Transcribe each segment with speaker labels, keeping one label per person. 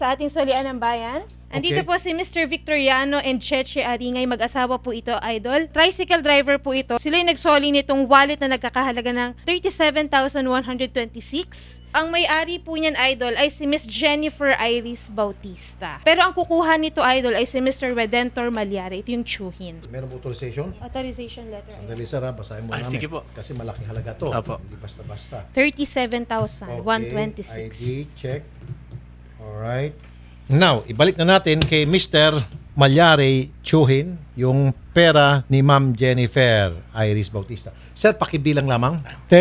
Speaker 1: Sa ating solian ng bayan. Andito
Speaker 2: Okay.
Speaker 1: po si Mr. Victoriano and Cheche Aringay. Mag-asawa po ito, idol. Tricycle driver po ito. Sila yung nagsoli nitong wallet na nagkakahalaga ng 37,126. Ang may-ari po niyan, idol, ay si Miss Jennifer Iris Bautista. Pero ang kukuha nito, idol, ay si Mr. Redentor Malyari. Ito yung tsuhin.
Speaker 2: Meron po authorization?
Speaker 1: Authorization letter.
Speaker 2: Sandali sir, basahin mo namin.
Speaker 3: sige po.
Speaker 2: Kasi malaking halaga to.
Speaker 3: Apo.
Speaker 2: Hindi basta-basta.
Speaker 1: 37,126.
Speaker 2: ID, check. Alright. Now, ibalik na natin kay Mr. Malyari Chuhin yung pera ni Ma'am Jennifer Iris Bautista. Sir, pakibilang lamang.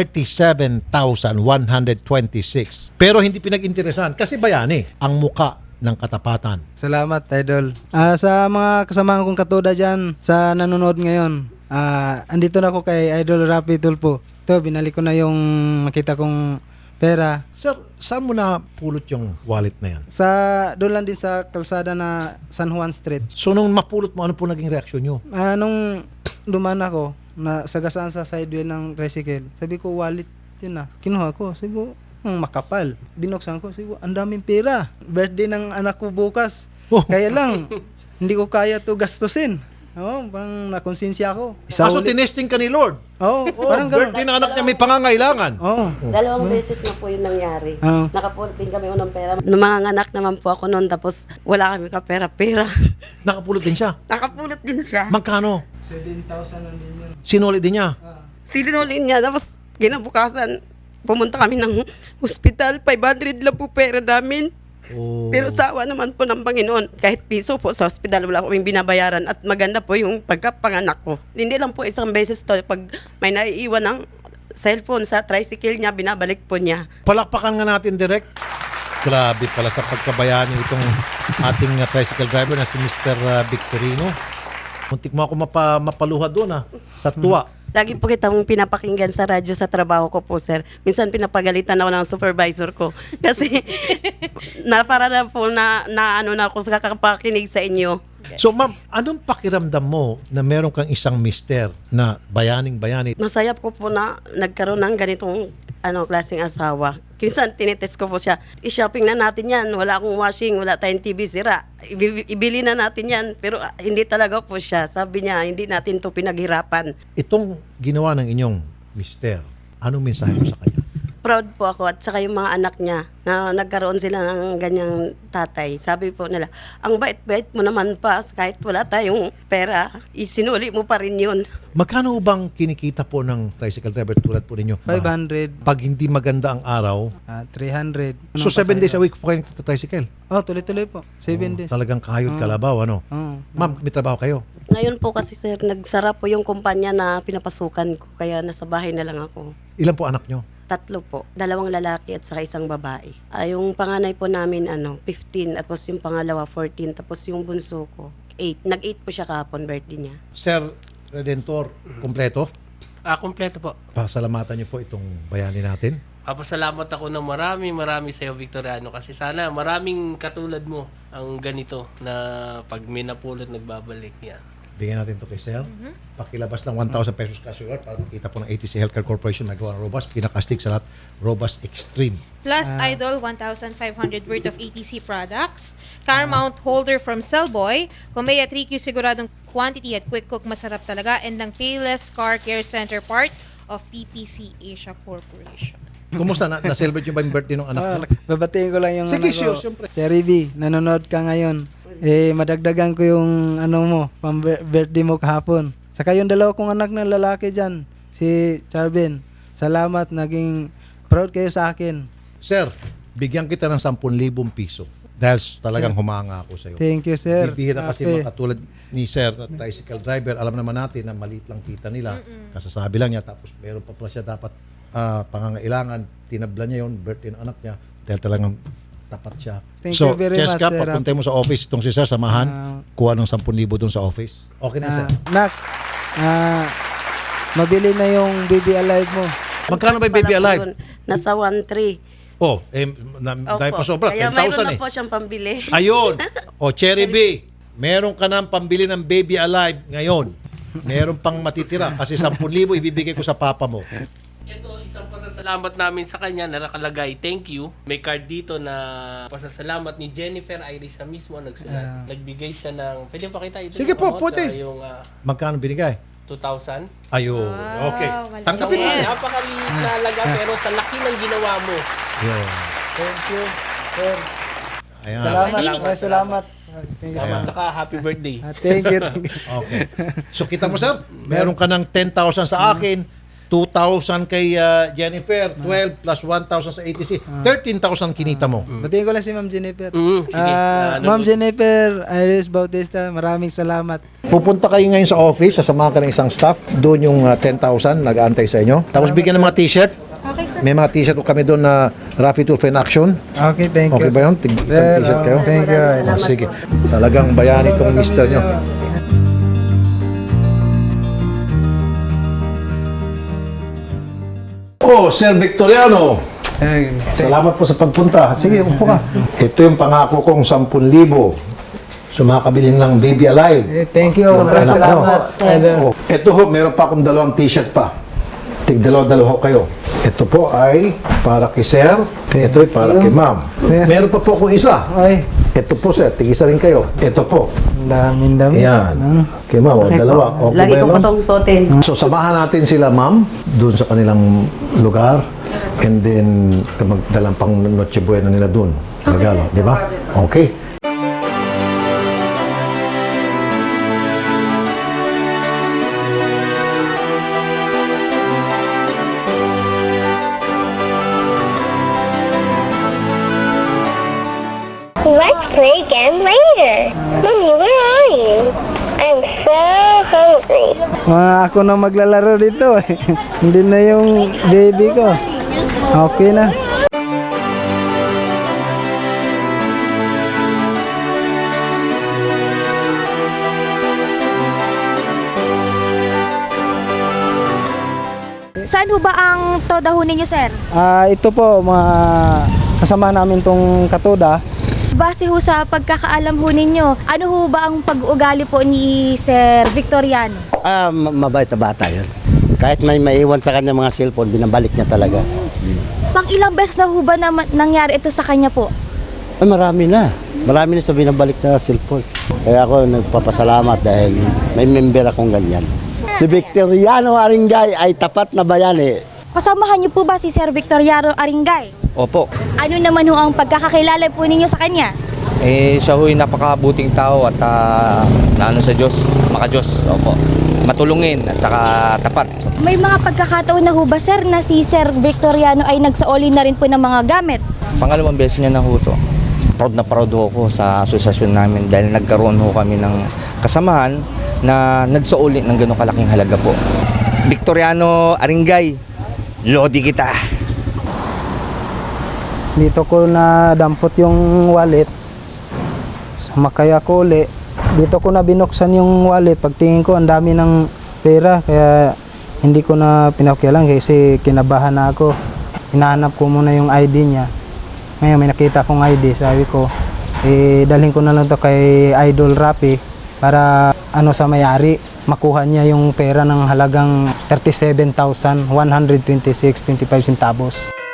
Speaker 2: 37,126. Pero hindi pinag-interesan kasi bayani ang muka ng katapatan.
Speaker 4: Salamat, Idol. Sa mga kasamahan kong katuda dyan sa nanonood ngayon, andito na ako kay Idol Rapi Tulpo. Ito, binalik ko na yung nakita kong pera.
Speaker 2: Sir, saan mo na pulot yung wallet na yan?
Speaker 4: Doon lang din sa kalsada na San Juan Street.
Speaker 2: So, nung mapulot mo, ano po naging reaksyon nyo?
Speaker 4: Nung dumaan ako, sagasaan sa sideway ng tricycle, sabi ko, wallet yun na. Kinuha ko, sabi ko, makapal. Binuksan ko, sabi ko, ang daming pera. Birthday ng anak ko bukas.
Speaker 2: Oh.
Speaker 4: Kaya lang, hindi ko kaya to gastusin. Parang nakonsensya ako.
Speaker 2: So, tinesting ka ni Lord?
Speaker 4: Parang gano'n.
Speaker 2: Birthday ng anak niya may pangangailangan.
Speaker 5: Dalawang beses na po yun nangyari.
Speaker 4: Oo.
Speaker 5: Nakapulot din kami unang pera. Numanganak naman po ako noon, tapos wala kami kapera-pera.
Speaker 2: Nakapulot din siya.
Speaker 5: Nakapulot din siya.
Speaker 2: Magkano?
Speaker 4: 7,000 lang din yun.
Speaker 2: Sinuli din niya.
Speaker 5: Sinulin niya, tapos kinabukasan, pumunta kami ng hospital. 500 lang po pera namin.
Speaker 2: Oh.
Speaker 5: Pero sawa naman po ng Panginoon, kahit piso po sa hospital, wala kaming binabayaran. At maganda po yung pagkapanganak ko. Hindi lang po isang beses to, pag may naiiwan ng cellphone sa tricycle niya, binabalik po niya.
Speaker 2: Palakpakan nga natin direct. Grabe pala sa pagkabayani itong ating tricycle driver na si Mr. Victorino. Muntik mo ako mapaluha doon sa tuwa.
Speaker 5: Lagi po kitang pinapakinggan sa radyo sa trabaho ko po, sir. Minsan pinapagalitan ako ng supervisor ko. Kasi para na po na ano na ako sa kakapakinig sa inyo.
Speaker 2: So ma'am, anong pakiramdam mo na meron kang isang mister na bayaning-bayani?
Speaker 5: Masaya ko po na nagkaroon ng ganitong klaseng asawa. Minsan tinitest ko po siya, i-shopping na natin yan, wala akong washing, wala tayong TV, sira. Ibili na natin yan, pero hindi talaga po siya. Sabi niya, hindi natin to pinaghirapan.
Speaker 2: Itong ginawa ng inyong mister, anong mensahe mo sa kanya?
Speaker 5: Proud po ako at saka yung mga anak niya na nagkaroon sila ng ganyang tatay. Sabi po nila, ang bait-bait mo naman pa kahit wala tayong pera, isinuli mo pa rin yun.
Speaker 2: Magkano bang kinikita po ng tricycle driver tulad po ninyo?
Speaker 4: 500,
Speaker 2: Pag hindi maganda ang araw,
Speaker 4: 300.
Speaker 2: so 7 days a week po kayo tricycle?
Speaker 4: Tuloy-tuloy po. 7 days.
Speaker 2: Talagang kayod kalabaw, ano? Ma'am, may trabaho kayo?
Speaker 5: Ngayon po kasi sir, nagsara po yung kumpanya na pinapasukan ko, kaya nasa bahay na lang ako.
Speaker 2: Ilan po anak nyo?
Speaker 5: 3 po, 2 lalaki at saka 1 babae. Yung panganay po namin 15, tapos yung pangalawa 14, tapos yung bunso ko 8. Nag-8 po siya kahapon, birthday niya.
Speaker 2: Sir Redentor, kompleto?
Speaker 3: Kompleto po.
Speaker 2: Pasalamatan niyo po itong bayani natin.
Speaker 3: Papasalamat ako ng marami sa iyo, Victoriano, kasi sana maraming katulad mo ang ganito na pag may napulot nagbabalik niya.
Speaker 2: Bigyan natin to kay Sir. Pakilabas ng 1,000 pesos cash reward para makita po ng ATC Healthcare Corporation magawa ng Robust. Pinakastig sa lahat, Robust Extreme.
Speaker 1: Plus, idol, 1,500 worth of ATC products. Car mount holder from Cellboy. Kumeya 3Q siguradong quantity at quick cook, masarap talaga. And ng Payless Car Care Center, part of PPC Asia Corporation.
Speaker 2: Kumusta? Na-celebrate nyo ba yung birthday ng anak mo?
Speaker 4: Babatiin ko lang yung
Speaker 2: Sige,
Speaker 4: anak ko.
Speaker 2: sure, siyempre.
Speaker 4: Cherry B, nanonood ka ngayon. Madagdagan ko yung birthday mo kahapon. Saka yung 2 kong anak na lalaki dyan, si Charvin. Salamat, naging proud kayo sa akin.
Speaker 2: Sir, bigyan kita ng 10,000 piso. Dahil talagang humanga ako sa iyo.
Speaker 4: Thank you, sir.
Speaker 2: Bibihira kasi
Speaker 4: Happy.
Speaker 2: mga katulad ni Sir na tricycle driver. Alam naman natin na maliit lang kita nila. Kasasabi lang niya. Tapos meron pa pala siya dapat pangangailangan. Tinabla niya yun, birthday ng anak niya. Dahil talagang tapat siya.
Speaker 4: Thank
Speaker 2: So,
Speaker 4: you very much,
Speaker 2: Cheska,
Speaker 4: sir.
Speaker 2: papunta mo sa office itong si Sir, samahan. Kuha ng 10,000 doon sa office. Okay na, Sir.
Speaker 4: Nak, mabili na yung Baby Alive mo.
Speaker 2: Magkano ba yung Baby
Speaker 5: Pala po
Speaker 2: Alive?
Speaker 5: yun, nasa 1,300.
Speaker 2: Dahil pa sobra,
Speaker 5: Kaya
Speaker 2: 10,000
Speaker 5: mayroon na
Speaker 2: eh.
Speaker 5: po siyang pambili.
Speaker 2: Ayun. Cherry B, meron ka nang pambili ng Baby Alive ngayon. Meron pang matitira kasi 10,000 ibibigay ko sa papa mo.
Speaker 3: Ito, isang pasasalamat namin sa kanya na nakalagay, thank you. May card dito na pasasalamat ni Jennifer Irisa mismo ang nagsulat. Nagbigay siya ng, pwede pakita ito?
Speaker 2: Sige
Speaker 3: yung
Speaker 2: po,
Speaker 3: amount,
Speaker 2: pwede.
Speaker 3: Yung
Speaker 2: Magkano binigay?
Speaker 3: 2,000.
Speaker 2: Ayun. Okay.
Speaker 1: malaki.
Speaker 2: Tanggapin mo siya.
Speaker 3: Napakaliit na alaga pero sa laki ng ginawa mo.
Speaker 2: Yun.
Speaker 4: Thank you, sir.
Speaker 2: Ayan.
Speaker 4: Salamat. Thank you.
Speaker 2: Ayan.
Speaker 3: At saka happy birthday.
Speaker 4: Thank you.
Speaker 2: Okay. So kita mo sir, meron ka ng 10,000 sa akin, 2,000 kay Jennifer, 12 plus 1,000 sa ATC, 13,000 kinita mo.
Speaker 4: Batiin ko lang si Ma'am Jennifer.
Speaker 3: Sige.
Speaker 4: Ma'am Jennifer Iris Bautista, maraming salamat.
Speaker 2: Pupunta kayo ngayon sa office, sasamahan ka ng isang staff, doon yung 10,000 nag-aantay sa inyo. Tapos bigyan ng mga t-shirt.
Speaker 1: Okay, sir.
Speaker 2: May mga t-shirt ko kami doon na Rafi Tulfo in Action.
Speaker 4: Okay, thank you.
Speaker 2: Okay ba yun? Isang t-shirt kayo?
Speaker 4: Thank you.
Speaker 2: Oh, sige. Talagang bayani itong mister nyo. Oh, Sir Victoriano. Salamat po sa pagpunta. Sige, upo ka. Ito yung pangako kong 10,000. Sumakabili ng Baby Alive.
Speaker 4: Thank you. Sobrang salamat.
Speaker 2: Oh, ito ho, meron pa akong 2 t-shirt pa. Tig dalawa kayo. Ito po ay para kay Sir. Ito ay para kay Ma'am. Meron pa po akong isa.
Speaker 4: Ay,
Speaker 2: Ito po Sir, tig-isa rin kayo. Ito po.
Speaker 4: daming dami.
Speaker 2: Ayan. Kay Ma'am, o, dalawa. Okay
Speaker 5: Lagi
Speaker 2: ba
Speaker 5: ko
Speaker 2: yun,
Speaker 5: po
Speaker 2: Ma'am?
Speaker 5: itong suotin.
Speaker 2: So samahan natin sila Ma'am doon sa kanilang lugar and then magdalang pang Noche Buena nila doon. Regalo, di ba? Okay.
Speaker 6: Let's play again later. Mommy, where are you? I'm so hungry.
Speaker 4: Ako na maglalaro dito. Hindi na yung baby ko. Okay na.
Speaker 7: Saan ho ba ang todaho ninyo, sir?
Speaker 4: Ito po, mga kasama namin tong katoda.
Speaker 7: Base ho sa pagkakaalam ho ninyo, ano ho ba ang pag-uugali po ni Sir Victoriano?
Speaker 8: Mabait na bata yun. Kahit may maiwan sa kanya mga cellphone, binabalik niya talaga.
Speaker 7: Pang ilang beses na ho ba nangyari ito sa kanya po?
Speaker 8: Ay, marami na. Marami na sa binabalik na cellphone. Kaya ako nagpapasalamat dahil may member akong ganyan. Si Victoriano Aringay ay tapat na bayani.
Speaker 7: Kasamahan niyo po ba si Sir Victoriano Aringay?
Speaker 8: Opo.
Speaker 7: Ano naman ho ang pagkakakilala po ninyo sa kanya?
Speaker 9: Siya ho'y napakabuting tao at naano sa Diyos, maka-Diyos, opo. Matulungin at saka tapat.
Speaker 7: May mga pagkakataon na ho ba, sir, na si Sir Victoriano ay nagsaoli na rin po ng mga gamit?
Speaker 9: Pangalawang beses niya na ho to. Proud na proud ho ako sa asosasyon namin dahil nagkaroon ho kami ng kasamahan na nagsaoli ng ganong kalaking halaga po. Victoriano Aringay, lodi kita.
Speaker 4: Dito ko na dampot yung wallet. Sumakay ako uli. Dito ko na binuksan yung wallet. Pagtingin ko, ang dami ng pera. Kaya hindi ko na pinakialam kasi kinabahan na ako. Hinahanap ko muna yung ID niya. Ngayon may nakita akong ID. Sabi ko, dalhin ko na lang to kay Idol Rafi para sa mayari. Makuha niya yung pera ng halagang 37,126.25 centavos.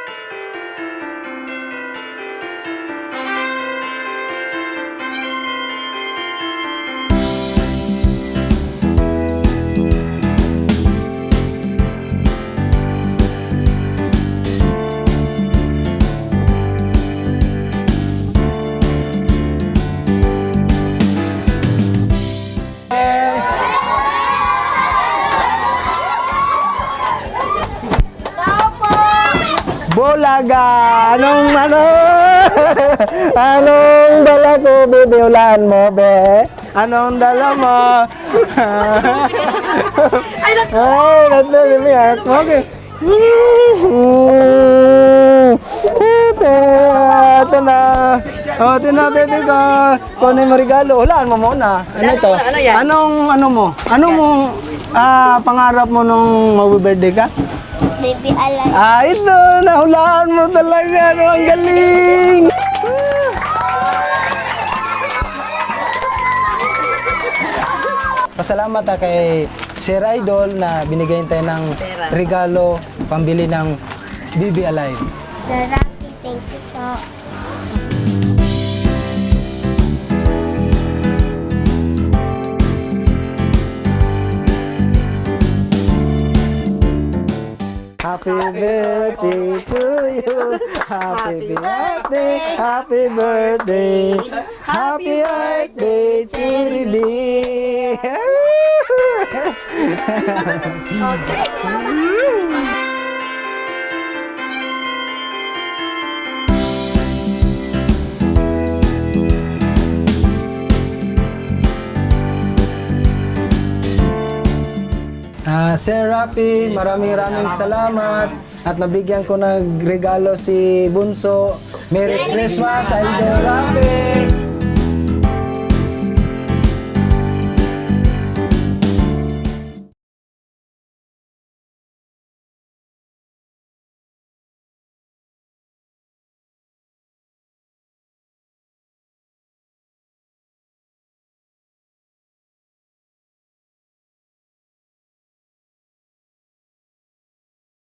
Speaker 4: Bulaga! Anong dala ko, bebe? Ulaan mo, be? Anong dala mo? Ay, natali mo yan. Okay. Ito na. Ito na, baby ko. Kunin mo regalo. Ulaan mo muna. Ano ito?
Speaker 5: Ano yan?
Speaker 4: Anong pangarap mo nung mag-birthday ka?
Speaker 6: Baby, I like
Speaker 4: Ito, nahulaan mo talaga. Ang galing! Pasalamat kay Sir Idol na binigyan tayo ng regalo pambili ng BB Alive.
Speaker 6: Sir Rocky, thank you po.
Speaker 4: Happy birthday to you. Happy birthday, happy birthday. Happy birthday to Bibi. Sir Rapi, maraming salamat at nabigyan ko ng regalo si Bunso. Merry Christmas, Idol Rapi!